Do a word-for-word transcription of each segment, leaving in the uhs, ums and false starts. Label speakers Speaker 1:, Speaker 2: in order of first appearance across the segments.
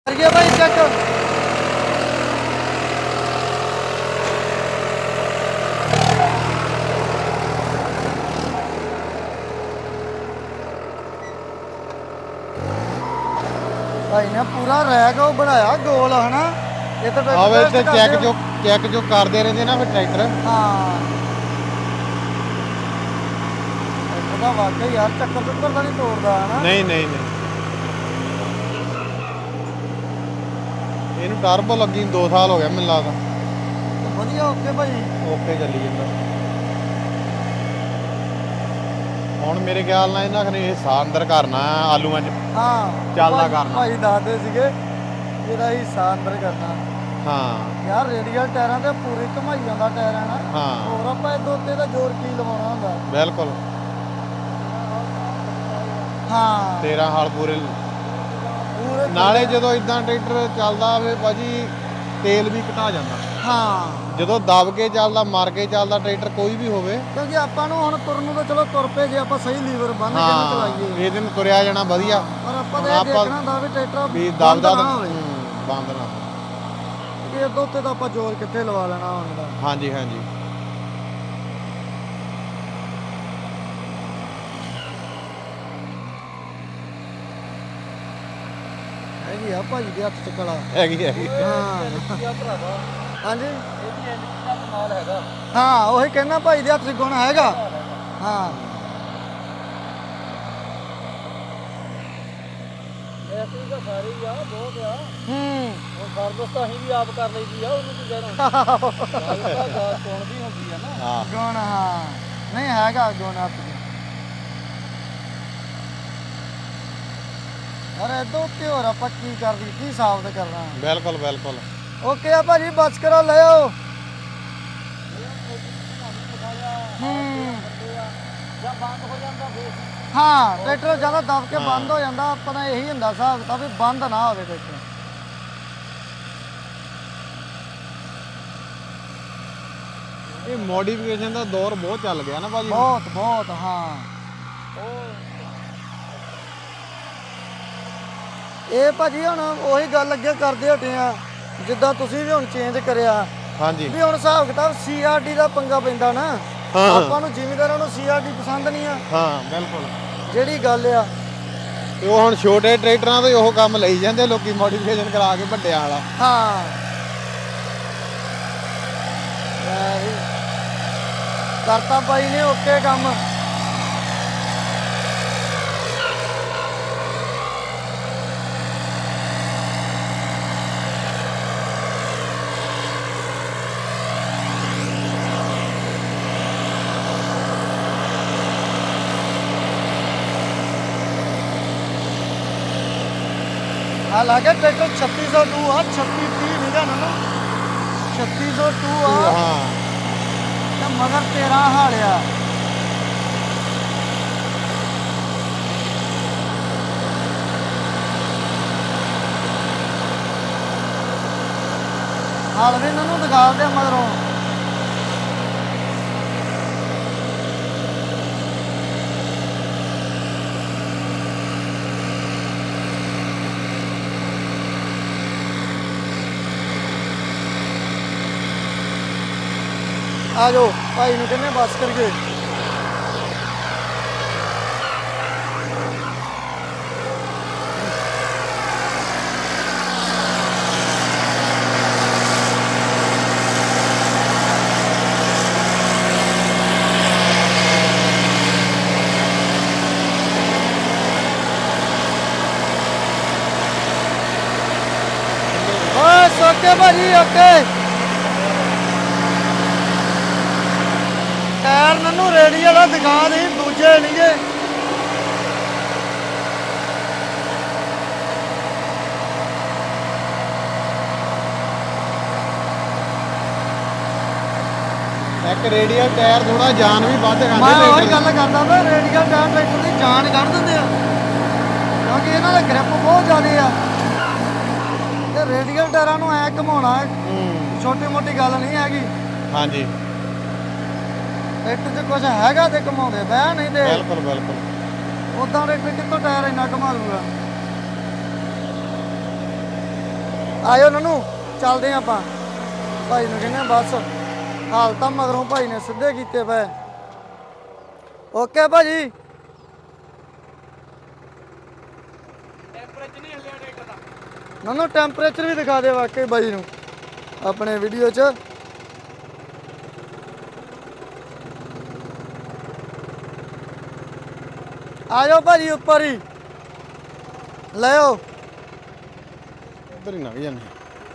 Speaker 1: करिए भाई चेक। भाई ने पूरा रैक वो बनाया गोल है ना। ये तो
Speaker 2: ਆਵੇ ਤੇ ਚੈੱਕ ਜੋ ਚੈੱਕ ਜੋ ਕਰਦੇ ਰਹਿੰਦੇ ਨਾ ਫਿਰ ਟਰੈਕਟਰ।
Speaker 1: हाँ ਇਹਦਾ ਵਾਕਈ ਯਾਰ ਚੱਕਰ ਚੁੱਕਰ ਤਾਂ ਨਹੀਂ ਤੋੜਦਾ ਹੈ ਨਾ।
Speaker 2: ਨਹੀਂ ਨਹੀਂ ਨਹੀਂ ਇਹਨੂੰ ਟਰਬੋ ਲੱਗੀ ਦੋ ਸਾਲ ਹੋ ਗਿਆ ਮੈਨੂੰ ਲੱਗਦਾ।
Speaker 1: ਵਧੀਆ ਓਕੇ ਭਾਈ।
Speaker 2: ਓਕੇ ਚੱਲੀ ਜਾਂਦਾ। ਹੁਣ ਮੇਰੇ ਖਿਆਲ ਨਾਲ ਇਹਨਾਂ ਨੇ ਹਿੱਸਾ ਅੰਦਰ ਕਰਨਾ ਆਲੂਆਂ 'ਚ।
Speaker 1: ਹਾਂ
Speaker 2: ਚੱਲਦਾ
Speaker 1: ਭਾਈ-
Speaker 2: ਕਰਨਾ।
Speaker 1: ਭਾਈ ਦੱਸਦੇ ਸੀਗੇ ਇਹਦਾ ਹਿੱਸਾ ਅੰਦਰ ਕਰਨਾ।
Speaker 2: ਹਾਂ
Speaker 1: ਯਾਰ ਰੇਡੀਅਲ ਟਾਇਰਾਂ ਤੇ ਪੂਰੀ ਘਮਾਈ ਜਾਂਦਾ ਟਾਇਰ ਹੈ ਨਾ।
Speaker 2: ਹਾਂ
Speaker 1: ਹੋਰ ਆਪਾਂ ਇਹਦੇ ਉੱਤੇ ਦਾ ਜ਼ੋਰ ਕੀ ਲਵਾਉਣਾ ਹੁੰਦਾ।
Speaker 2: ਬਿਲਕੁਲ
Speaker 1: ਹਾਂ
Speaker 2: ਤੇਰਾਂ ਹਾਲ ਪੂਰੇ।
Speaker 1: ਪੂਰੇ
Speaker 2: ਨਾਲੇ ਜਦੋਂ ਇਦਾਂ ਟਰੈਕਟਰ ਚੱਲਦਾ ਹੋਵੇ ਭਾਜੀ ਤੇਲ ਵੀ ਘਟਾ ਜਾਂਦਾ।
Speaker 1: ਹਾਂ
Speaker 2: ਜਦੋਂ ਦਬ ਕੇ ਚੱਲਦਾ ਮਰ ਕੇ ਚੱਲਦਾ ਟਰੈਕਟਰ ਕੋਈ ਵੀ ਹੋਵੇ।
Speaker 1: ਕਿਉਂਕਿ ਆਪਾਂ ਨੂੰ ਹੁਣ ਤੁਰਨ ਨੂੰ ਤਾਂ ਚਲੋ ਤੁਰ ਪਏ ਜੇ ਆਪਾਂ ਸਹੀ ਲੀਵਰ ਬੰਨ ਕੇ ਨਾ ਚਲਾਈਏ।
Speaker 2: ਇਹਦੇ ਨੂੰ ਤੁਰਿਆ ਜਾਣਾ ਵਧੀਆ।
Speaker 1: ਪਰ ਆਪਾਂ
Speaker 2: ਹੁਣ
Speaker 1: ਤਾਂ ਇਹ
Speaker 2: ਆਪਾਂ
Speaker 1: ਦੇਖਣਾ ਹੁੰਦਾ ਵੀ ਟਰੈਕਟਰ
Speaker 2: ਵੀ
Speaker 1: ਬੰਦ
Speaker 2: ਦਬਦਾ
Speaker 1: ਨਾ ਹੋਵੇ।
Speaker 2: ਬੰਦ ਨਾ ਹੋਵੇ।
Speaker 1: ਕਿ ਇਹਦੇ ਉੱਤੇ ਤਾਂ ਆਪਾਂ ਜ਼ੋਰ ਕਿੱਥੇ ਲਵਾ ਲੈਣਾ ਹੁਣ ਦਾ।
Speaker 2: ਹਾਂਜੀ ਹਾਂਜੀ
Speaker 1: ਹੈਗੀ ਆ ਭਾਈ ਦੇ ਹੱਥ ਚ ਕਲਾ।
Speaker 2: ਹੈਗੀ ਹੈਗੀ।
Speaker 1: ਹਾਂ ਹਾਂਜੀ ਹਾਂ ਉਹੀ ਕਹਿੰਦਾ ਭਾਈ ਦੇ ਹੱਥ ਚ ਗੁਣ ਹੈਗਾ। ਹਾਂ
Speaker 3: ਐਸੀ ਤਾਂ ਸਾਰੇ ਹੀ ਆ ਬਹੁਤ ਆ।
Speaker 1: ਹੂੰ
Speaker 3: ਹੁਣ ਸਰਵਿਸ ਤਾਂ ਅਸੀਂ ਵੀ ਆਪ ਕਰ ਲਈਦੀ ਆ ਉਹਨੂੰ ਕੀ ਕਹਿਣਾ। ਗੱਲ ਤਾਂ ਗਾਲ ਸੁਣ ਵੀ ਹੁੰਦੀ ਆ ਨਾ।
Speaker 2: ਹਾਂ
Speaker 1: ਗੁਣ ਹਾਂ ਨਹੀਂ ਹੈਗਾ ਗੁਣ ਹੱਥ ਚ। ਯਾਰ ਇਹਦੇ ਉੱਤੇ ਹੋਰ ਆਪਾਂ ਕੀ ਕਰਦੀ ਕੀ ਸਾਬਤ ਕਰਨਾ।
Speaker 2: ਬਿਲਕੁਲ ਬਿਲਕੁਲ
Speaker 1: ਓਕੇ ਆ ਭਾਜੀ ਬਸ ਕਰੋ ਲੈ ਆਓ। ਹੂੰ
Speaker 3: ਜਾਂ ਬੰਦ ਹੋ ਜਾਂਦਾ ਫੇਰ।
Speaker 1: ਹਾਂ ਟਰੈਕਟਰ ਜ਼ਿਆਦਾ ਦਬ ਕੇ ਬੰਦ ਹੋ ਜਾਂਦਾ। ਆਪਾਂ ਦਾ ਇਹੀ ਹੁੰਦਾ ਹਿਸਾਬ ਕਿਤਾਬ ਵੀ ਬੰਦ ਨਾ ਹੋਵੇ ਟਰੈਕਟਰ।
Speaker 2: ਇਹ ਮੋਡੀਫਿਕੇਸ਼ਨ ਦਾ ਦੌਰ ਬਹੁਤ ਚੱਲ ਗਿਆ ਨਾ ਭਾਜੀ।
Speaker 1: ਬਹੁਤ ਬਹੁਤ ਹਾਂ ਇਹ ਭਾਜੀ ਹੁਣ ਉਹੀ ਗੱਲ ਅੱਗੇ ਕਰਦੇ ਹਟੇ ਆ ਜਿੱਦਾਂ ਤੁਸੀਂ ਵੀ ਹੁਣ ਚੇਂਜ ਕਰਿਆ
Speaker 2: ਹਾਂਜੀ
Speaker 1: ਵੀ ਹੁਣ ਹਿਸਾਬ ਕਿਤਾਬ ਸੀ ਆਰ ਡੀ ਦਾ ਪੰਗਾ ਪੈਂਦਾ ਨਾ।
Speaker 2: ਹਾਂ।
Speaker 1: ਆਪਾਂ ਨੂੰ ਜ਼ਿਮੀਂਦਾਰਾਂ ਨੂੰ ਸੀ ਆਰ ਡੀ ਪਸੰਦ ਨਹੀਂ ਆ।
Speaker 2: ਹਾਂ ਬਿਲਕੁਲ।
Speaker 1: ਜਿਹੜੀ ਗੱਲ ਆ
Speaker 2: ਤੇ ਉਹ ਹੁਣ ਛੋਟੇ ਟਰੈਕਟਰਾਂ ਤੋਂ ਹੀ ਉਹ ਕੰਮ ਲਈ ਜਾਂਦੇ ਲੋਕੀ ਮੋਡੀਫਿਕੇਸ਼ਨ ਕਰਾ ਕੇ ਵੱਡਿਆਂ ਵਾਲਾ।
Speaker 1: ਹਾਂ ਲੈ ਵੀ ਕਰਤਾ ਬਾਈ ਨੇ ਓਕੇ ਕੰਮ। ਹਾਲਾਂਕਿ ਟਰੈਕਟਰ ਛੱਤੀ ਸੌ ਟੂ ਆ ਛੱਤੀ ਤੀਹ ਨਹੀਂ ਜਾਣਾ ਨਾ ਛੱਤੀ ਸੌ ਟੂ ਆ
Speaker 2: ਹਾਂ
Speaker 1: ਤੇ ਮਗਰ ਤੇਰਾਂ ਹਾਲਿਆ। ਹਾਲ ਵੀ ਇਹਨਾਂ ਨੂੰ ਦਿਖਾਉਂਦੇ ਮਗਰੋਂ। ਆ ਜਾਓ ਭਾਈ ਨੂੰ ਕਹਿੰਦੇ ਬਸ ਕਰੀਏ। ਬਸ ਓਕੇ ਭਾਜੀ ਓਕੇ। ਟਾਇਰ ਮੈਨੂੰ ਰੇੜੀ ਵਾਲਾ ਦਿਖਾ ਦੇ ਦੂਜੇ ਨਹੀਂਗੇ।
Speaker 2: ਇੱਕ ਰੇਡੀਅਲ ਟਾਇਰ ਥੋੜਾ ਜਾਨ ਵੀ ਵੱਧ ਖਾਂਦੇ
Speaker 1: ਮੈਂ ਉਹੀ
Speaker 2: ਟਰੈਕਟਰ
Speaker 1: ਗੱਲ ਕਰਦਾ ਵਾ ਰੇਡੀਅਲ ਟਾਇਰ ਟਰੈਕਟਰ ਦੀ ਜਾਨ ਕੱਢ ਦਿੰਦੇ ਆ ਕਿਉਂਕਿ ਇਹਨਾਂ ਦਾ ਗ੍ਰਿਪ ਬਹੁਤ ਜ਼ਿਆਦਾ ਆ। ਤੇ ਰੇਡੀਅਲ ਟਾਇਰਾਂ ਨੂੰ ਐ ਘਮਾਉਣਾ
Speaker 2: ਹੂੰ
Speaker 1: ਛੋਟੀ ਮੋਟੀ ਗੱਲ ਨਹੀਂ ਹੈਗੀ।
Speaker 2: ਹਾਂਜੀ
Speaker 1: ਟਰੈਕਟਰ 'ਚ ਕੁਝ ਹੈਗਾ ਤੇ ਘਮਾਉਂਦੇ ਬਹਿ ਨਹੀਂ ਤੇ
Speaker 2: ਬਿਲਕੁਲ ਬਿਲਕੁਲ।
Speaker 1: ਉਦਾਂ ਟਰੈਕਟਰ ਕਿੱਥੋਂ ਟਾਇਰ ਇੰਨਾ ਘਮਾ ਲੂਗਾ। ਆਇਓ ਨਨੂੰ ਚੱਲਦੇ ਆਂ ਆਪਾਂ ਭਾਈ ਨੂੰ ਕਹਿੰਦੇ ਆ ਬਸ ਹਾਲ ਤਾਂ ਮਗਰੋਂ ਭਾਈ ਨੇ ਸਿੱਧੇ ਕੀਤੇ ਪਏ ਓਕੇ ਭਾਜੀ
Speaker 3: ਟੈਂਪਰੇਚਰ ਨਹੀਂ ਹਿੱਲਿਆ ਟਰੈਕਟਰ ਦਾ
Speaker 1: ਨਨੂੰ ਟੈਂਪਰੇਚਰ ਵੀ ਦਿਖਾ ਦੇ ਵਾਕਈ ਬਾਈ ਨੂੰ ਆਪਣੇ ਵੀਡੀਓ 'ਚ ਆਜੋ ਭਾਜੀ ਉੱਪਰ ਹੀ ਲੈ ਆਓ
Speaker 2: ਇੱਧਰ ਹੀ ਲੰਘ ਜਾਂਦੇ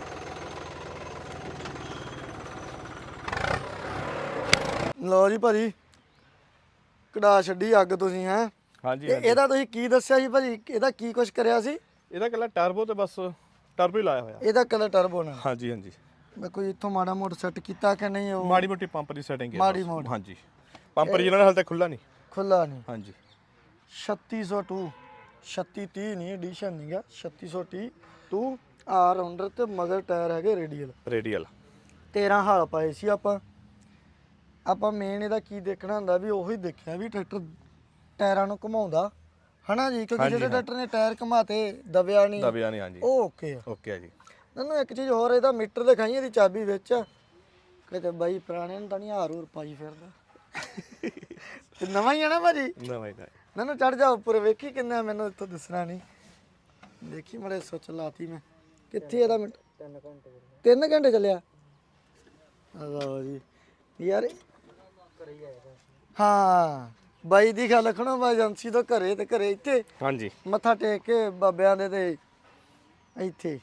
Speaker 1: ਲਓ ਜੀ ਭਾਜੀ ਕਢਾ ਛੱਡੀ ਅੱਗ ਤੁਸੀਂ ਹੈ
Speaker 4: ਹਾਂਜੀ
Speaker 1: ਤੇ ਇਹਦਾ ਤੁਸੀਂ ਕੀ ਦੱਸਿਆ ਸੀ ਭਾਜੀ ਇਹਦਾ ਕੀ ਕੁਝ ਕਰਿਆ ਸੀ
Speaker 4: ਇਹਦਾ ਕੱਲਾ ਟਰਬੋ ਤੇ ਬਸ ਟਰਬੋ ਹੀ ਲਾਇਆ ਹੋਇਆ
Speaker 1: ਇਹਦਾ ਕਲਰ ਟਰਬੋ ਨਾਲ
Speaker 4: ਹਾਂਜੀ ਹਾਂਜੀ
Speaker 1: ਮੈਂ ਕੋਈ ਇੱਥੋਂ ਮਾੜਾ ਮੋਟਾ ਸੈੱਟ ਕੀਤਾ ਕਿ ਨਹੀਂ ਉਹ
Speaker 4: ਮਾੜੀ ਮੋਟੀ ਪੰਪ ਦੀ ਸੈਟਿੰਗ ਹੈ
Speaker 1: ਮਾੜੀ
Speaker 4: ਬਸ।
Speaker 1: ਮੋਟੀ।
Speaker 4: ਹਾਂਜੀ ਪੰਪ ਜਿਹਨਾਂ ਨੇ ਹਾਲੇ ਤੱਕ ਖੁੱਲਾ ਨਹੀਂ
Speaker 1: ਖੁੱਲਾ ਨਹੀਂ
Speaker 4: ਹਾਂਜੀ
Speaker 1: ਛੱਤੀ ਸੌ ਦੋ ਛੱਤੀ ਤੀਹ ਨਹੀਂ ਐਡੀਸ਼ਨ ਨਹੀਂਗਾ ਛੱਤੀ ਸੌ ਤੀਹ ਦੋ ਆਰ ਰਾਉਂਡਰ ਤੇ ਮਗਰ ਟਾਇਰ ਹੈਗੇ ਰੇਡੀਅਲ
Speaker 4: ਰੇਡੀਅਲ
Speaker 1: ਤੇਰਾਂ ਹਾਲ ਪਾਏ ਸੀ ਆਪਾਂ ਆਪਾਂ ਮੇਨ ਇਹਦਾ ਕੀ ਦੇਖਣਾ ਹੁੰਦਾ ਵੀ ਉਹੀ ਦੇਖਿਆ ਵੀ ਟਰੈਕਟਰ ਟਾਇਰਾਂ ਨੂੰ ਘੁਮਾਉਂਦਾ ਹਨਾ ਜੀ ਕਿਉਂਕਿ
Speaker 4: ਹਾਂਜੀ,
Speaker 1: ਜਿਹੜੇ
Speaker 4: ਹਾਂ।
Speaker 1: ਟਰੈਕਟਰ ਨੇ ਟਾਇਰ ਘੁਮਾਤੇ ਦਬਿਆ ਨਹੀਂ
Speaker 4: ਦਬਿਆ ਨਹੀਂ ਹਾਂਜੀ
Speaker 1: ਉਹ ਓਕੇ ਆ
Speaker 4: ਓਕੇ ਆ ਜੀ
Speaker 1: ਮੈਨੂੰ ਇੱਕ ਚੀਜ਼ ਹੋਰ ਇਹਦਾ ਮੀਟਰ ਦਿਖਾਈ ਇਹਦੀ ਚਾਬੀ ਵਿੱਚ ਕਿਤੇ ਬਾਈ ਪੁਰਾਣੇ ਨੂੰ ਤਾਂ ਨਹੀਂ ਹਾਰ ਹੂਰ ਪਾਈ ਫਿਰਦਾ ਤੇ ਨਵਾਂ ਹੀ ਆ ਨਾ ਭਾਜੀ
Speaker 4: ਨਵਾਂ ਹੀ ਤਾਂ ਹੈ।
Speaker 1: ਮੈਨੂੰ ਚੜ ਜਾ ਉੱਪਰ ਵੇਖੀ ਕਿੰਨਾ ਮੈਨੂੰ ਇੱਥੋਂ ਦਿਸਣਾ ਨਹੀਂ ਦੇਖੀ ਮੜੇ ਸੁੱਚ ਲਾਤੀ ਮੈਂ ਕਿੱਥੇ ਇਹਦਾ ਮਿੰਟ ਤਿੰਨ ਘੰਟੇ ਤਿੰਨ ਘੰਟੇ ਚੱਲਿਆ ਲਓ ਜੀ ਯਾਰ ਹਾਂ ਬਾਈ ਦੀ ਗੱਲ ਰੱਖਣੋ ਬਾਈ ਏਜੰਸੀ ਤੋਂ ਘਰੇ ਤੇ ਘਰੇ ਇੱਥੇ
Speaker 4: ਹਾਂਜੀ
Speaker 1: ਮੱਥਾ ਟੇਕ ਕੇ ਬਾਬਿਆਂ ਦੇ ਤੇ ਇੱਥੇ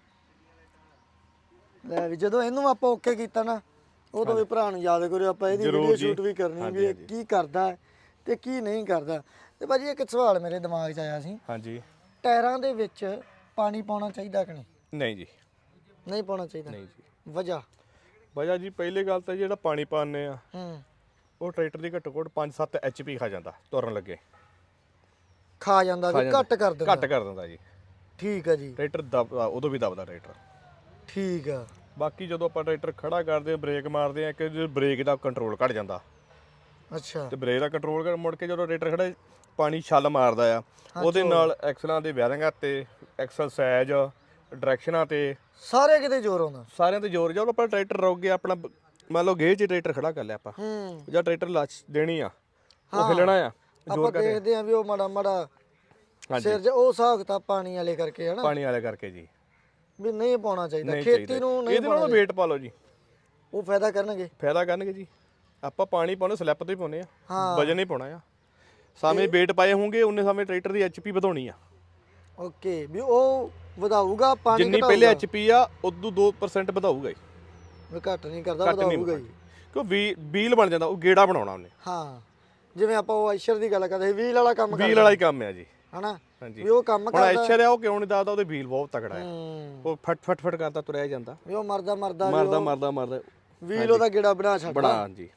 Speaker 1: ਲੈ ਵੀ ਜਦੋਂ ਇਹਨੂੰ ਆਪਾਂ ਓਕੇ ਕੀਤਾ ਨਾ ਉਦੋਂ ਵੀ ਭਰਾ ਨੂੰ ਯਾਦ ਕਰਿਓ ਆਪਾਂ ਇਹਦੀ
Speaker 4: ਜ਼ਰੂਰ
Speaker 1: ਵੀਡੀਓ
Speaker 4: ਜੀ।
Speaker 1: ਸ਼ੂਟ ਵੀ ਕਰਨੀ
Speaker 4: ਹਾਂਜੀ,
Speaker 1: ਵੀ ਇਹ
Speaker 4: ਹਾਂਜੀ।
Speaker 1: ਕੀ ਕਰਦਾ ਹੈ ਤੇ ਕੀ ਨਹੀਂ ਕਰਦਾ ਤੇ ਭਾਜੀ ਇੱਕ ਸਵਾਲ ਮੇਰੇ ਦਿਮਾਗ 'ਚ ਆਇਆ ਸੀ
Speaker 4: ਹਾਂਜੀ
Speaker 1: ਟਾਇਰਾਂ ਦੇ ਵਿੱਚ ਪਾਣੀ ਪਾਉਣਾ ਚਾਹੀਦਾ ਕਿ ਨਹੀਂ
Speaker 4: ਨਹੀਂ ਜੀ
Speaker 1: ਨਹੀਂ ਪਾਉਣਾ ਚਾਹੀਦਾ
Speaker 4: ਨਹੀਂ ਜੀ
Speaker 1: ਵਜ੍ਹਾ
Speaker 4: ਵਜ੍ਹਾ ਜੀ ਪਹਿਲੀ ਗੱਲ ਤਾਂ ਜਿਹੜਾ ਪਾਣੀ ਪਾਉਂਦੇ ਆ
Speaker 1: ਹੂੰ
Speaker 4: ਉਹ ਟਰੈਕਟਰ ਦੀ ਘੱਟੋ ਘੱਟ ਪੰਜ ਸੱਤ ਐਚਪੀ ਖਾ ਜਾਂਦਾ ਤੁਰਨ ਲੱਗੇ
Speaker 1: ਖਾ ਜਾਂਦਾ
Speaker 4: ਖਾ
Speaker 1: ਵੀ
Speaker 4: ਜਾਂਦਾ।
Speaker 1: ਘੱਟ ਕਰ ਦਿੰਦਾ
Speaker 4: ਘੱਟ ਕਰ ਦਿੰਦਾ ਜੀ
Speaker 1: ਠੀਕ ਆ ਜੀ
Speaker 4: ਟਰੈਕਟਰ ਦਬ ਉਦੋਂ ਵੀ ਦਬਦਾ ਟਰੈਕਟਰ
Speaker 1: ਠੀਕ ਆ
Speaker 4: ਬਾਕੀ ਜਦੋਂ ਆਪਾਂ ਟਰੈਕਟਰ ਖੜਾ ਕਰਦੇ ਆ ਬ੍ਰੇਕ ਮਾਰਦੇ ਆ ਕਿ ਬ੍ਰੇਕ ਦਾ ਕੰਟਰੋਲ ਘਟ ਜਾਂਦਾ
Speaker 1: ਅੱਛਾ
Speaker 4: ਤੇ ਬ੍ਰੇਕ ਦਾ ਕੰਟਰੋਲ ਕਰ ਮੁੜ ਕੇ ਜਦੋਂ ਟਰੈਕਟਰ ਖੜਾ ਪਾਣੀ ਛੱਲ ਮਾਰਦਾ ਆ ਉਹਦੇ ਨਾਲ ਐਕਸਲਾਂ ਦੇ ਬੈਰਿੰਗਾਂ ਤੇ ਐਕਸਲ ਸਾਈਜ਼ ਡਾਇਰੈਕਸ਼ਨਾਂ ਤੇ
Speaker 1: ਸਾਰੇ ਕਿਤੇ ਜ਼ੋਰ ਆਉਂਦਾ
Speaker 4: ਸਾਰਿਆਂ ਤੇ ਜ਼ੋਰ ਜਦੋਂ ਆਪਾਂ ਟਰੈਕਟਰ ਰੋਕ ਗਿਆ ਆਪਣਾ ਬ- ਮੰਨ ਲਓ ਗੇਜ 'ਚ ਟਰੈਕਟਰ ਖੜਾ ਕਰ ਲਿਆ ਆਪਾਂ
Speaker 1: ਹੂੰ
Speaker 4: ਜਾਂ ਟਰੈਕਟਰ ਲਾਚ ਦੇਣੀ ਆ ਉਹ ਹਿੱਲਣਾ ਆ
Speaker 1: ਆਪਾਂ
Speaker 4: ਜ਼ੋਰ ਕਰ
Speaker 1: ਦੇਖਦੇ ਆ ਵੀ ਉਹ ਮਾੜਾ ਮਾੜਾ
Speaker 4: ਹਾਂਜੀ
Speaker 1: ਸਿਰ 'ਚ ਉਹ ਹਿਸਾਬ ਕਿਤਾਬ ਪਾਣੀ ਵਾਲੇ ਕਰਕੇ ਹਨਾ
Speaker 4: ਪਾਣੀ ਵਾਲੇ ਕਰਕੇ ਜੀ
Speaker 1: ਵੀ ਨਹੀਂ ਪਾਉਣਾ ਚਾਹੀਦਾ
Speaker 4: ਨਹੀਂ
Speaker 1: ਖੇਤੀ
Speaker 4: ਚਾਹੀਦਾ।
Speaker 1: ਨੂੰ ਨਹੀਂ
Speaker 4: ਇਹਦੇ ਨਾਲੋਂ ਵੇਟ ਪਾ ਲਓ ਜੀ
Speaker 1: ਉਹ ਫਾਇਦਾ ਕਰਨਗੇ
Speaker 4: ਫਾਇਦਾ ਕਰਨਗੇ ਜੀ ਆਪਾਂ ਪਾਣੀ ਪਾਉਣਾ ਸਲਿੱਪ ਤੇ ਹੀ ਪਾਉਨੇ ਆ
Speaker 1: ਹਾਂ।
Speaker 4: ਵਜਨ ਨਹੀਂ ਪਾਉਣਾ ਆ ਸਾਵੇਂ ਵੇਟ ਪਾਏ ਹੋਣਗੇ ਉਹਨੇ ਸਾਵੇਂ ਟਰੈਕਟਰ ਦੀ ਐਚਪੀ ਵਧਾਉਣੀ ਆ
Speaker 1: ਓਕੇ ਵੀ ਉਹ ਵਧਾਊਗਾ ਪਾਣੀ
Speaker 4: ਜਿੰਨੀ ਪਹਿਲੇ ਐਚਪੀ ਆ ਉਦੋਂ ਦੋ ਪਰਸੈਂਟ ਵਧਾਊਗਾ ਜੀ
Speaker 1: ਵੀ ਘੱਟ ਨਹੀਂ ਕਰਦਾ
Speaker 4: ਘੱਟ ਨਹੀਂ
Speaker 1: ਵਧਾਊਗਾ ਹੀ
Speaker 4: ਕਿਉਂ ਵੀ ਵੀਲ ਬਣ ਜਾਂਦਾ ਉਹ ਗੇੜਾ ਬਣਾਉਣਾ ਉਹਨੇ
Speaker 1: ਹਾਂ ਜਿਵੇਂ ਆਪਾਂ ਉਹ ਆਇਸ਼ਰ ਦੀ ਗੱਲ ਕਰਦੇ ਸੀ ਵੀਲ ਵਾਲਾ ਕੰਮ
Speaker 4: ਵੀਲ ਵਾਲਾ ਹੀ ਕੰਮ ਆ ਜੀ
Speaker 1: ਹਨਾ
Speaker 4: ਹਾਂਜੀ
Speaker 1: ਵੀ ਉਹ ਕੰਮ
Speaker 4: ਹੁਣ
Speaker 1: ਕਰਦਾ
Speaker 4: ਐਚਰ ਆ ਉਹ ਕਿਉਂ ਨਹੀਂ ਦੱਸਦਾ ਉਹਦੇ ਵੀਲ ਬਹੁਤ ਤਕੜਾ ਆ
Speaker 1: ਹੂੰ
Speaker 4: ਉਹ ਫਟ ਫਟ ਫਟ ਕਰਦਾ ਤੁਰਿਆ ਜਾਂਦਾ
Speaker 1: ਵੀ ਉਹ ਮਰਦਾ ਮਰਦਾ ਵੀ
Speaker 4: ਮਰਦਾ
Speaker 1: ਉਹ
Speaker 4: ਮਰਦਾ ਮਰਦਾ
Speaker 1: ਵੀਲ ਉਹਦਾ ਗੇੜਾ ਬਣਾ ਛੱਡਦਾ
Speaker 4: ਬਣਾ ਜੀ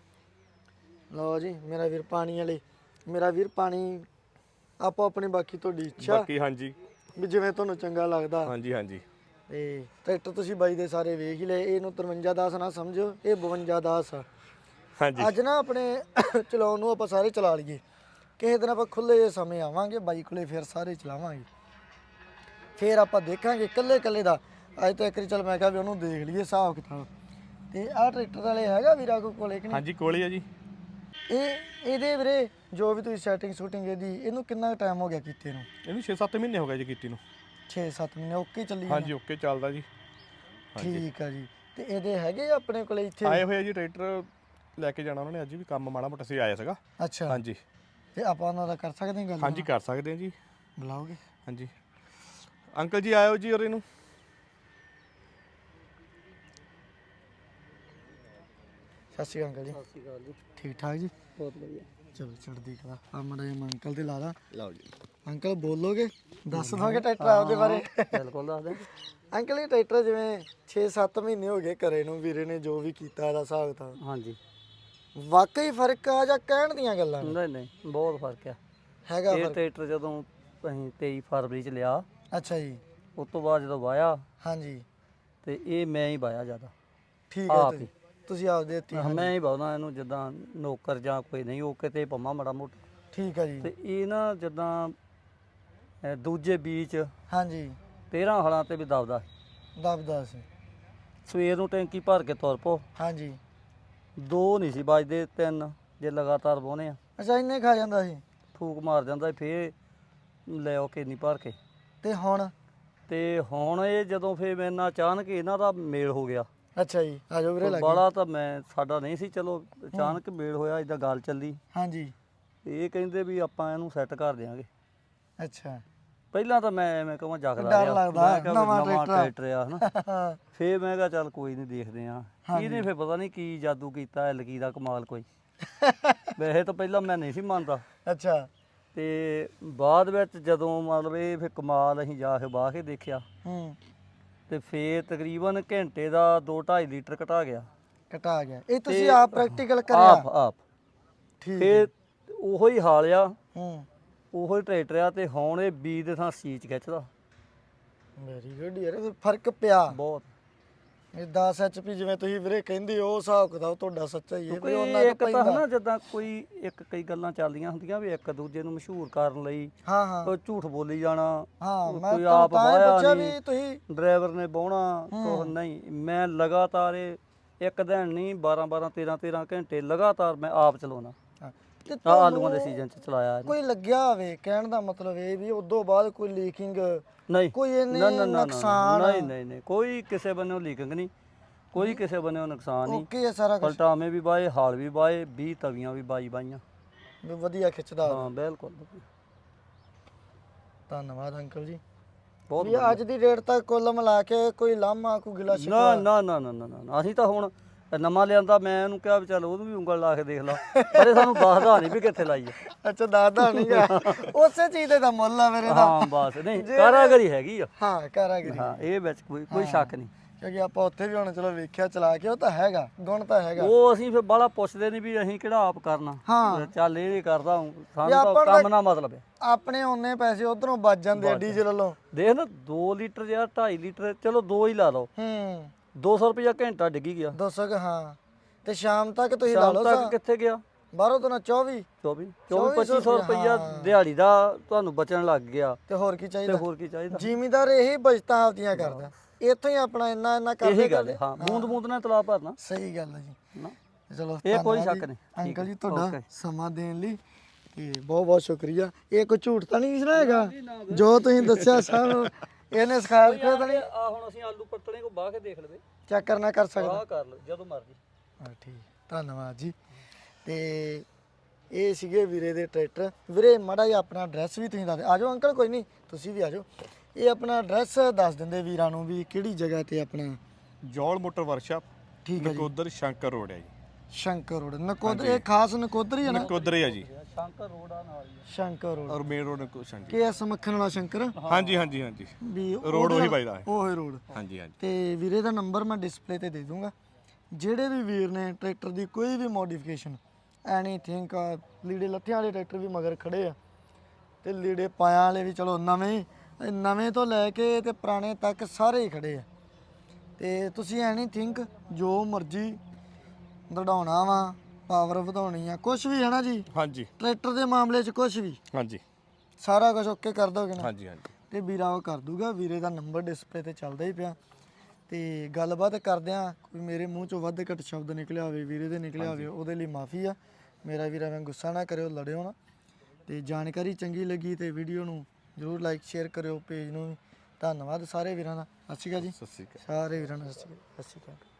Speaker 1: ਲਓ ਜੀ ਮੇਰਾ ਵੀਰ ਪਾਣੀ ਵਾਲੇ ਮੇਰਾ ਵੀਰ ਪਾਣੀ ਆਪੋ ਆਪਣੀ ਬਾਕੀ ਤੁਹਾਡੀ ਇੱਛਾ
Speaker 4: ਬਾਕੀ ਹਾਂਜੀ
Speaker 1: ਵੀ ਜਿਵੇਂ ਤੁਹਾਨੂੰ ਚੰਗਾ ਲੱਗਦਾ
Speaker 4: ਹਾਂਜੀ ਹਾਂਜੀ
Speaker 1: ਤੇ ਟਰੈਕਟਰ ਤੁਸੀਂ ਬਾਈ ਦੇ ਸਾਰੇ ਵੇਖ ਹੀ ਲਏ ਇਹਨੂੰ ਤਰਵੰਜਾ ਦਸ ਨਾ ਸਮਝੋ ਇਹ ਬਵੰਜਾ ਦਸ ਆ
Speaker 4: ਹਾਂਜੀ
Speaker 1: ਅੱਜ ਨਾ ਆਪਣੇ ਚਲਾਉਣ ਨੂੰ ਆਪਾਂ ਸਾਰੇ ਚਲਾ ਲਈਏ ਕਿਸੇ ਦਿਨ ਆਪਾਂ ਖੁੱਲੇ ਜਿਹੇ ਸਮੇਂ ਆਵਾਂਗੇ ਬਾਈ ਕੋਲੇ ਫਿਰ ਸਾਰੇ ਚਲਾਵਾਂਗੇ ਫਿਰ ਆਪਾਂ ਦੇਖਾਂਗੇ ਇਕੱਲੇ ਇਕੱਲੇ ਦਾ ਅੱਜ ਤਾਂ ਇੱਕ ਵਾਰੀ ਚੱਲ ਮੈਂ ਕਿਹਾ ਵੀ ਉਹਨੂੰ ਦੇਖ ਲਈਏ ਹਿਸਾਬ ਕਿਤਾਬ ਤੇ ਆਹ ਟਰੈਕਟਰ ਵਾਲੇ ਹੈਗਾ ਵੀਰਾ ਕੋ ਕੋਲੇ ਕਿ ਨਹੀਂ
Speaker 4: ਹਾਂਜੀ ਕੋਲੇ ਆ ਜੀ
Speaker 1: ਇਹ ਇਹਦੇ ਵੀਰੇ ਜੋ ਵੀ ਤੁਸੀਂ ਸੈਟਿੰਗ ਸ਼ੂਟਿੰਗ ਇਹਦੀ ਇਹਨੂੰ ਕਿੰਨਾ ਟਾਈਮ ਹੋ ਗਿਆ ਕੀਤੇ ਨੂੰ
Speaker 4: ਇਹਨੂੰ ਛੇ ਸੱਤ ਮਹੀਨੇ ਹੋ ਗਏ ਜੀ ਕੀਤੀ ਨੂੰ
Speaker 1: ਛੇ ਸੱਤ ਮਹੀਨੇ ਓਕੇ ਚੱਲੀ
Speaker 4: ਹਾਂਜੀ ਓਕੇ ਚੱਲਦਾ ਜੀ
Speaker 1: ਠੀਕ ਆ ਜੀ ਤੇ ਇਹਦੇ ਹੈਗੇ ਆ ਆਪਣੇ ਕੋਲੇ ਇੱਥੇ
Speaker 4: ਆਏ ਹੋਏ ਆ ਜੀ ਟਰੈਕਟਰ ਲੈ ਕੇ ਜਾਣਾ ਉਹਨਾਂ ਨੇ ਅੱਜ ਵੀ ਕੰਮ ਮਾੜਾ ਮੋਟਾ ਸੀ ਆਇਆ ਸੀਗਾ
Speaker 1: ਅੱਛਾ
Speaker 4: ਹਾਂਜੀ
Speaker 1: ਤੇ ਆਪਾਂ ਉਹਨਾਂ ਦਾ ਕਰ ਸਕਦੇ ਹਾਂ ਗੱਲ
Speaker 4: ਹਾਂਜੀ ਕਰ ਸਕਦੇ ਆ ਜੀ
Speaker 1: ਬੁਲਾਓਗੇ
Speaker 4: ਹਾਂਜੀ ਅੰਕਲ ਜੀ ਆਇਓ ਜੀ ਔਰ ਇਹਨੂੰ
Speaker 1: ਸਤਿ ਸ਼੍ਰੀ ਅਕਾਲ ਜੀ ਸਤਿ ਸ਼੍ਰੀ ਅਕਾਲ ਜੀ ਠੀਕ ਠਾਕ ਜੀ ਬਹੁਤ ਵਧੀਆ ਚਲੋ ਚੜ੍ਹਦੀ ਕਲਾ ਆ ਮੜਾ ਜੀ ਅੰਕਲ ਤੇ ਲਾ ਲਾ
Speaker 4: ਲਓ ਜੀ
Speaker 1: ਅੰਕਲ ਬੋਲੋਗੇ ਦੱਸ ਦੋਗੇ ਟਰੈਕਟਰ ਆਪਦੇ ਬਾਰੇ
Speaker 3: ਬਿਲਕੁਲ ਦੱਸ ਦੇ
Speaker 1: ਅੰਕਲ ਇਹ ਟਰੈਕਟਰ ਜਿਵੇਂ ਛੇ ਸੱਤ ਮਹੀਨੇ ਹੋ ਗਏ ਘਰੇ ਨੂੰ ਵੀਰੇ ਨੇ ਜੋ ਵੀ ਕੀਤਾ ਇਹਦਾ ਹਿਸਾਬ ਤਾਂ
Speaker 3: ਹਾਂਜੀ
Speaker 1: ਵਾਕਈ ਫਰਕ ਆ ਜਾਂ ਕਹਿਣ ਦੀਆਂ ਗੱਲਾਂ ਨੇ?
Speaker 3: ਨਹੀਂ ਨਹੀਂ ਬਹੁਤ ਫਰਕ ਆ
Speaker 1: ਹੈਗਾ
Speaker 3: ਇਹ
Speaker 1: ਫਰਕ
Speaker 3: ਟਰੈਕਟਰ ਜਦੋਂ ਅਸੀਂ ਤੇਈ ਫਰਵਰੀ ਚ ਲਿਆ
Speaker 1: ਅੱਛਾ ਜੀ
Speaker 3: ਉਸ ਤੋਂ ਬਾਅਦ ਜਦੋਂ ਵਾਇਆ
Speaker 1: ਹਾਂਜੀ
Speaker 3: ਤੇ ਇਹ ਮੈਂ ਹੀ ਵਾਇਆ ਜ਼ਿਆਦਾ
Speaker 1: ਠੀਕ ਹੈ
Speaker 3: ਆਪ
Speaker 1: ਤੁਸੀਂ-
Speaker 3: ਹੀ।
Speaker 1: ਤੁਸੀਂ ਆਪ ਦੇਤੀ
Speaker 3: ਮੈਂ ਹੀ ਪਾਉਂਦਾ ਇਹਨੂੰ ਜਿੱਦਾਂ ਨੌਕਰ ਜਾਂ ਕੋਈ ਨਹੀਂ ਉਹ ਕਿਤੇ ਪੰਮਾ ਮਾੜਾ ਮੋਟਾ
Speaker 1: ਠੀਕ ਹੈ ਜੀ
Speaker 3: ਤੇ ਇਹ ਨਾ ਜਿੱਦਾਂ ਅਹ ਦੂਜੇ ਬੀਚ
Speaker 1: ਹਾਂਜੀ
Speaker 3: ਤੇਰਾਂ ਹਲਾਂ ਤੇ ਵੀ ਦਬਦਾ
Speaker 1: ਦਬਦਾ ਸੀ।
Speaker 3: ਸਵੇਰ ਨੂੰ ਟੈਂਕੀ ਭਰ ਕੇ ਤੁਰ ਪੋ,
Speaker 1: ਹਾਂਜੀ।
Speaker 3: ਦੋ ਨਹੀਂ ਸੀ ਵੱਜਦੇ, ਤਿੰਨ ਜੇ ਲਗਾਤਾਰ ਵਾਹੁੰਦੇ ਆ,
Speaker 1: ਅੱਛਾ ਇੰਨੇ ਖਾ ਜਾਂਦਾ ਸੀ।
Speaker 3: ਫੂਕ ਮਾਰ ਜਾਂਦਾ ਸੀ, ਫੇਰ ਲੈ ਆਓ ਕੇਨੀ ਭਰ ਕੇ।
Speaker 1: ਤੇ ਹੁਣ?
Speaker 3: ਤੇ ਹੁਣ ਇਹ ਜਦੋਂ ਫੇਰ ਮੇਰੇ ਨਾਲ ਅਚਾਨਕ ਇਹਨਾਂ ਦਾ ਮੇਲ ਹੋ ਗਿਆ।
Speaker 1: ਅੱਛਾ ਜੀ, ਆ ਜਾਓ ਵੀਰੇ ਲੱਗੇ।
Speaker 3: ਬਾਲਾ ਤਾਂ ਮੈਂ ਸਾਡਾ ਨਹੀਂ ਸੀ, ਚਲੋ ਅਚਾਨਕ ਮੇਲ ਹੋਇਆ, ਇਦਾਂ ਗੱਲ ਚੱਲੀ।
Speaker 1: ਹਾਂਜੀ।
Speaker 3: ਇਹ ਕਹਿੰਦੇ ਵੀ ਆਪਾਂ ਇਹਨੂੰ ਸੈੱਟ ਕਰ ਦਿਆਂਗੇ।
Speaker 1: ਅੱਛਾ।
Speaker 3: ਪਹਿਲਾਂ ਤਾਂ ਮੈਂ ਐਵੇਂ ਕਹਾਂ ਜਗਦਾ
Speaker 1: ਡਰ
Speaker 3: ਰਿਹਾ,
Speaker 1: ਲੱਗਦਾ,
Speaker 3: ਮੈਂ ਕਿਹਾ ਵੀ
Speaker 1: ਨਵਾਂ
Speaker 3: ਨਵਾਂ
Speaker 1: ਟਰੈਕਟਰ
Speaker 3: ਟਰੈਕਟਰ ਆ ਹਨਾ। ਫੇਰ ਮੈਂ ਕਿਹਾ ਚੱਲ ਕੋਈ ਨਹੀਂ, ਦੇਖਦੇ ਆ। ਇਹਨੇ ਫੇਰ ਪਤਾ ਨਹੀਂ ਕੀ ਜਾਦੂ ਕੀਤਾ, ਐਲਕੀ ਦਾ ਕਮਾਲ ਕੋਈ। ਵੈਸੇ ਤਾਂ ਪਹਿਲਾਂ ਮੈਂ ਨਹੀਂ ਸੀ ਮੰਨਦਾ।
Speaker 1: ਅੱਛਾ।
Speaker 3: ਤੇ ਬਾਅਦ ਵਿੱਚ ਜਦੋਂ ਮਤਲਬ ਇਹ ਫਿਰ ਕਮਾਲ ਅਸੀਂ ਜਾ ਕੇ ਬਾਹ ਕੇ ਦੇਖਿਆ,
Speaker 1: ਹੂੰ।
Speaker 3: ਤੇ ਫੇਰ ਤਕਰੀਬਨ ਘੰਟੇ ਦਾ ਦੋ ਢਾਈ ਲੀਟਰ ਘਟਾ ਗਿਆ।
Speaker 1: ਘਟਾ ਗਿਆ। ਇਹ ਤੁਸੀਂ
Speaker 3: ਤੇ
Speaker 1: ਆਪ ਪ੍ਰੈਕਟੀਕਲ ਕਰਿਆ?
Speaker 3: ਆਪ ਆਪ
Speaker 1: ਠੀਕ।
Speaker 3: ਫੇਰ ਉਹੋ ਹੀ ਹਾਲ ਆ,
Speaker 1: ਹੂੰ।
Speaker 3: ਉਹੋ ਹੀ ਟਰੈਕਟਰ ਆ, ਤੇ ਹੁਣ ਇਹ ਬੀ ਦੇ ਥਾਂ ਸੀਚ ਖਿੱਚਦਾ।
Speaker 1: ਵੈਰੀ ਗੁੱਡ ਯਾਰ, ਫਿਰ ਫਰਕ ਪਿਆ
Speaker 3: ਬਹੁਤ।
Speaker 1: ਇਹ ਦਸ ਐਚ ਪੀ ਜਿਵੇਂ ਤੁਸੀਂ ਵੀਰੇ ਕਹਿੰਦੇ ਹੋ, ਉਹ ਹਿਸਾਬ ਕਿਤਾਬ ਤੁਹਾਡਾ ਸੱਚਾ ਹੀ ਹੈ ਵੀ
Speaker 3: ਕੋਈ
Speaker 1: ਉਹਨਾਂ ਕੁ
Speaker 3: ਇੱਕ ਤਾਂ
Speaker 1: ਪੈਂਦਾ।
Speaker 3: ਹਨਾ ਜਿੱਦਾਂ ਕੋਈ ਇੱਕ ਕਈ ਗੱਲਾਂ ਚੱਲਦੀਆਂ ਹੁੰਦੀਆਂ ਵੀ ਇੱਕ ਦੂਜੇ ਨੂੰ ਮਸ਼ਹੂਰ ਕਰਨ ਲਈ
Speaker 1: ਹਾਂ ਹਾਂ
Speaker 3: ਕੋਈ ਝੂਠ ਬੋਲੀ ਜਾਣਾ,
Speaker 1: ਹਾਂ।
Speaker 3: ਕੋਈ
Speaker 1: ਮੈਂ
Speaker 3: ਆਪ
Speaker 1: ਤਾਂ ਤਾਂ ਹੀ
Speaker 3: ਵਾਹਿਆ
Speaker 1: ਪੁੱਛਿਆ
Speaker 3: ਨਹੀਂ,
Speaker 1: ਵੀ ਤੁਸੀਂ।
Speaker 3: ਡਰਾਈਵਰ ਨੇ ਬਾਉਣਾ ਕੁਛ ਨਹੀਂ। ਮੈਂ ਲਗਾਤਾਰ ਇਹ ਇੱਕ ਦਿਨ ਨਹੀਂ ਬਾਰਾਂ ਬਾਰਾਂ ਤੇਰਾਂ ਤੇਰਾਂ ਘੰਟੇ ਲਗਾਤਾਰ ਮੈਂ ਆਪ ਚਲਾਉਣਾ।
Speaker 1: ਹਾਂ, ਤੇ
Speaker 3: ਆ ਆਲੂਆਂ ਦੇ
Speaker 1: ਤੁਹਾਨੂੰ
Speaker 3: ਸੀਜ਼ਨ ਚ ਚਲਾਇਆ ਇਹਨੇ।
Speaker 1: ਕੋਈ ਲੱਗਿਆ ਹੋਵੇ, ਕਹਿਣ ਦਾ ਮਤਲਬ ਇਹ ਵੀ ਉਦੋਂ ਬਾਅਦ ਕੋਈ ਲੀਕਿੰਗ,
Speaker 3: ਨਹੀਂ
Speaker 1: ਕੋਈ ਇਹਨੇ
Speaker 3: ਨਾ ਨਾ ਨਾ
Speaker 1: ਨੁਕਸਾਨ?
Speaker 3: ਨਹੀਂ ਨਹੀਂ ਨਹੀਂ ਕੋਈ ਕਿਸੇ ਬੰਨੇੋਂ ਲੀਕਿੰਗ ਨਹੀਂ, ਕੋਈ ਕਿਸੇ ਬੰਨੇੋਂ ਨੁਕਸਾਨ ਨਹੀਂ।
Speaker 1: ਓਕੇ ਹੈ ਸਾਰਾ ਕੁਝ।
Speaker 3: ਪਲਟਾਵੇਂ ਵੀ ਬਾਏ, ਹਾਲ ਵੀ ਬਾਏ, ਵੀਹ ਤਵੀਆਂ ਵੀ ਬਾਈ ਬਾਈਆਂ।
Speaker 1: ਵੀ ਵਧੀਆ ਖਿੱਚਦਾ ਹੋਵੇ।
Speaker 3: ਹਾਂ ਬਿਲਕੁਲ ਵਧੀਆ।
Speaker 1: ਧੰਨਵਾਦ ਅੰਕਲ ਜੀ।
Speaker 3: ਬਹੁਤ
Speaker 1: ਵੀ ਅੱਜ ਦੀ ਡੇਟ ਤੱਕ ਕੁੱਲ ਮਿਲਾ ਕੇ ਕੋਈ ਲਾਮਾ ਕੋਈ ਗਿਲਾ
Speaker 3: ਨਾ
Speaker 1: ਸ਼ਿਕਵਾ?
Speaker 3: ਨਾ ਨਾ ਨਾ ਨਾ ਨਾ ਅਸੀਂ ਤਾਂ ਹੁਣ ਨਵਾਂ ਲਿਆਂਦਾ, ਮੈਂ ਇਹਨੂੰ ਕਿਹਾ ਵੀ ਚੱਲ ਉਹਨੂੰ ਵੀ ਉਂਗਲ ਲਾ ਕੇ ਦੇਖ ਲਾ, ਪਰ ਇਹ ਸਾਨੂੰ ਦੱਸਦਾ ਨਹੀਂ ਵੀ ਕਿੱਥੇ ਲਾਈ ਹੈ।
Speaker 1: ਅੱਛਾ, ਦਾਦਾ ਨਹੀਂ ਗਾ। ਉਸੇ ਚੀਜ਼ ਦੇ ਤਾਂ ਮੁੱਲ ਆ ਮੇਰੇ ਦਾ।
Speaker 3: ਹਾਂ ਬਸ, ਨਹੀਂ ਕਾਰਾਗਰੀ ਹੈਗੀ ਆ।
Speaker 1: ਹਾਂ ਕਾਰਾਗਰੀ।
Speaker 3: ਹਾਂ ਇਹ ਵਿੱਚ ਕੋਈ ਕੋਈ ਸ਼ੱਕ ਨਹੀਂ।
Speaker 1: ਕਿਉਂਕਿ ਆਪਾਂ ਉੱਥੇ ਵੀ ਹੁਣ ਚਲੋ ਵੇਖਿਆ ਚਲਾ ਕੇ, ਉਹ ਤਾਂ ਹੈਗਾ, ਗੁਣ ਤਾਂ ਹੈਗਾ।
Speaker 3: ਉਹ ਅਸੀਂ ਫਿਰ ਬਾਹਲਾ ਪੁੱਛਦੇ ਨਹੀਂ ਵੀ ਅਸੀਂ ਕਿਹੜਾ ਆਪ ਕਰਨਾ।
Speaker 1: ਹਾਂ।
Speaker 3: ਚੱਲ ਇਹ ਕਰਦਾ ਹੂੰ, ਸਾਨੂੰ
Speaker 1: ਆਪਾਂ
Speaker 3: ਤਾਂ
Speaker 1: ਨੂੰ
Speaker 3: ਕੰਮ ਨਾਲ ਮਤਲਬ ਹੈ।
Speaker 1: ਆਪਣੇ ਉਹਨੇ ਪੈਸੇ ਉਧਰੋਂ ਬਚ ਜਾਂਦੇ ਆ ਡੀਜ਼ਲ ਵੱਲੋਂ।
Speaker 3: ਦੇਖ ਨਾ ਦੋ ਲੀਟਰ ਜਾਂ ਢਾਈ ਲੀਟਰ, ਚਲੋ ਦੋ ਹੀ ਲਾ ਲਓ,
Speaker 1: ਹੂੰ।
Speaker 3: ਦੋ ਸੌ ਰੁਪਇਆ ਘੰਟਾ ਡਿੱਗੀ ਗਿਆ।
Speaker 1: ਦੋ ਸੌ ਕੁ, ਹਾਂ। ਤੇ ਸ਼ਾਮ ਤੱਕ ਤੁਸੀਂ ਲਾ
Speaker 3: ਸ਼ਾਮ
Speaker 1: ਲਓ
Speaker 3: ਤੱਕ ਕਿੱਥੇ ਗਿਆ?
Speaker 1: ਬਾਹਰੋਂ ਤੋਂ ਨਾ ਚੌਵੀ
Speaker 3: ਚੌਵੀ ਚੌਵੀ ਪੱਚੀ ਸੌ ਰੁਪਇਆ ਦਿਹਾੜੀ ਦਾ ਤੁਹਾਨੂੰ ਬਚਣ ਲੱਗ ਗਿਆ।
Speaker 1: ਤੇ ਹੋਰ ਕੀ
Speaker 3: ਤੇ
Speaker 1: ਚਾਹੀਦਾ?
Speaker 3: ਹੋਰ ਕੀ ਚਾਹੀਦਾ?
Speaker 1: ਜ਼ਿਮੀਦਾਰ ਇਹੀ ਬਚਤਾਂ ਆਪਦੀਆਂ ਕਰਦਾ, ਇੱਥੋਂ ਹੀ ਆਪਣਾ ਇੰਨਾ ਇੰਨਾ ਕਰਦੇ
Speaker 3: ਇਹੀ ਗੱਲ ਹੈ। ਹਾਂ, ਬੂੰਦ ਬੂੰਦ ਨਾਲ ਤਲਾਬ ਭਰਨਾ।
Speaker 1: ਸਹੀ ਗੱਲ ਹੈ ਜੀ।
Speaker 3: ਨਾ
Speaker 1: ਚਲੋ
Speaker 3: ਇਹ ਕੋਈ
Speaker 1: ਧੰਨਵਾਦ
Speaker 3: ਸ਼ੱਕ
Speaker 1: ਜੀ।
Speaker 3: ਨਹੀਂ।
Speaker 1: ਅੰਕਲ ਜੀ ਤੁਹਾਡਾ ਸਮਾਂ ਦੇਣ ਲਈ ਤੇ ਬਹੁਤ ਬਹੁਤ ਸ਼ੁਕਰੀਆ। ਇਹ ਕੋਈ ਝੂਠ ਤਾਂ ਨਹੀਂ ਨਾ ਹੈਗਾ ਜੋ ਤੁਸੀਂ ਦੱਸਿਆ ਸਾਨੂੰ? ਇਹਨੇ ਸਿਖਾਇਆ ਸਿਖਾਇਆ ਤਾਂ ਨਹੀਂ?
Speaker 3: ਆ ਹੁਣ ਅਸੀਂ ਆਲੂ ਪੱਟਣੇ ਕੋ ਬਾਹ ਕੇ ਦੇਖ ਲਵੇ,
Speaker 1: ਚੈੱਕ ਕਰਨਾ ਕਰ ਸਕਦਾ?
Speaker 3: ਆਹ ਕਰ ਲਓ ਜਦੋਂ ਮਰਜ਼ੀ।
Speaker 1: ਹਾਂ ਠੀਕ, ਧੰਨਵਾਦ ਜੀ। ਤੇ ਇਹ ਸੀਗੇ ਵੀਰੇ ਦੇ ਟਰੈਕਟਰ। ਵੀਰੇ ਮਾੜਾ ਜਿਹਾ ਆਪਣਾ ਐਡਰੈਸ ਵੀ ਤੁਸੀਂ ਦੱਸ ਦਿਓ। ਆ ਜਾਓ ਅੰਕਲ, ਕੋਈ ਨਹੀਂ ਤੁਸੀਂ ਵੀ ਆ ਜਾਓ। ਇਹ ਆਪਣਾ ਐਡਰੈਸ ਦੱਸ ਦਿੰਦੇ ਵੀਰਾਂ ਨੂੰ ਵੀ ਕਿਹੜੀ ਜਗ੍ਹਾ ਤੇ ਆਪਣਾ?
Speaker 4: ਜੌਲ ਮੋਟਰ ਵਰਕਸ਼ਾਪ,
Speaker 1: ਠੀਕ ਹੈ ਜੀ।
Speaker 4: ਨਕੋਦਰ ਸ਼ੰਕਰ ਰੋਡ ਹੈ ਜੀ।
Speaker 1: ਸ਼ੰਕਰ ਰੋਡ ਨਕੋਦਰ, ਇਹ ਖਾਸ ਨਕੋਦਰ ਹੀ ਹੈ ਨਾ?
Speaker 4: ਨਕੋਦਰ ਹੀ ਆ ਜੀ,
Speaker 3: ਸ਼ੰਕਰ ਰੋਡ ਆ ਨਾਲ ਹੀ।
Speaker 1: ਸ਼ੰਕਰ ਰੋਡ
Speaker 4: ਔਰ ਮੇਨ ਰੋਡ ਨਕੋਦਰ ਜੀ।
Speaker 1: ਕੇ ਐਸ ਮੱਖਣ ਵਾਲਾ ਸ਼ੰਕਰ?
Speaker 4: ਹਾਂਜੀ ਹਾਂਜੀ ਹਾਂਜੀ,
Speaker 1: ਵੀ
Speaker 4: ਰੋਡ ਉਹੀ ਵੱਜਦਾ ਹੈ।
Speaker 1: ਉਹ ਹੀ ਰੋਡ।
Speaker 4: ਹਾਂਜੀ ਹਾਂਜੀ।
Speaker 1: ਤੇ ਵੀਰੇ ਦਾ ਨੰਬਰ ਮੈਂ ਡਿਸਪਲੇ ਤੇ ਦੇ ਦੂੰਗਾ। ਜਿਹੜੇ ਵੀ ਵੀਰ ਨੇ ਟਰੈਕਟਰ ਦੀ ਕੋਈ ਵੀ ਮੋਡੀਫਿਕੇਸ਼ਨ, ਐਨੀਥਿੰਗ, ਲੀੜੇ ਲੱਥਿਆਂ ਵਾਲੇ ਟਰੈਕਟਰ ਵੀ ਮਗਰ ਖੜੇ ਆ, ਤੇ ਲੀੜੇ ਪਾਇਆ ਵਾਲੇ ਵੀ, ਚਲੋ ਨਵੇਂ ਨਵੇਂ ਤੋਂ ਲੈ ਕੇ ਤੇ ਪੁਰਾਣੇ ਤੱਕ ਸਾਰੇ ਹੀ ਖੜੇ ਆ। ਤੇ ਤੁਸੀਂ ਐਨੀਥਿੰਗ ਜੋ ਮਰਜ਼ੀ ਦੜਾਉਣਾ ਵਾ, ਪਾਵਰ ਵਧਾਉਣੀ ਆ, ਕੁਝ ਵੀ ਹੈ ਨਾ ਜੀ
Speaker 4: ਹਾਂਜੀ
Speaker 1: ਟਰੈਕਟਰ ਦੇ ਮਾਮਲੇ 'ਚ, ਕੁਝ ਵੀ
Speaker 4: ਹਾਂਜੀ
Speaker 1: ਸਾਰਾ ਕੁਝ ਓਕੇ ਕਰ ਦੋਗੇ ਨਾ?
Speaker 4: ਹਾਂਜੀ ਹਾਂਜੀ।
Speaker 1: ਤੇ ਵੀਰਾ ਉਹ ਕਰ ਦੂਗਾ। ਵੀਰੇ ਦਾ ਨੰਬਰ ਡਿਸਪਲੇ ਤੇ ਚੱਲਦਾ ਹੀ ਪਿਆ। ਤੇ ਗੱਲਬਾਤ ਕਰਦਿਆਂ ਕੋਈ ਮੇਰੇ ਮੂੰਹ ਚੋਂ ਵੱਧ ਘੱਟ ਸ਼ਬਦ ਨਿਕਲਿਆ ਹੋਵੇ, ਵੀਰੇ ਦੇ ਨਿਕਲਿਆ ਹੋਵੇ, ਉਹਦੇ ਲਈ ਮਾਫੀ ਆ। ਮੇਰਾ ਵੀਰਾ ਮੈਂ ਗੁੱਸਾ ਨਾ ਕਰਿਓ, ਲੜਿਓ ਨਾ। ਤੇ ਜਾਣਕਾਰੀ ਚੰਗੀ ਲੱਗੀ ਤੇ ਵੀਡੀਓ ਨੂੰ ਜ਼ਰੂਰ ਲਾਈਕ ਸ਼ੇਅਰ ਕਰਿਓ, ਪੇਜ ਨੂੰ ਵੀ। ਧੰਨਵਾਦ ਸਾਰੇ ਵੀਰਾਂ ਦਾ। ਸਤਿ ਸ਼੍ਰੀ ਅਕਾਲ ਜੀ।
Speaker 4: ਸਤਿ ਸ਼੍ਰੀ ਅਕਾਲ।
Speaker 1: ਸਾਰੇ ਵੀਰਾਂ ਨੂੰ ਸਤਿ ਸ਼੍ਰੀ ਅਕਾਲ। ਸਤਿ ਸ਼੍ਰੀ ਅਕਾਲ।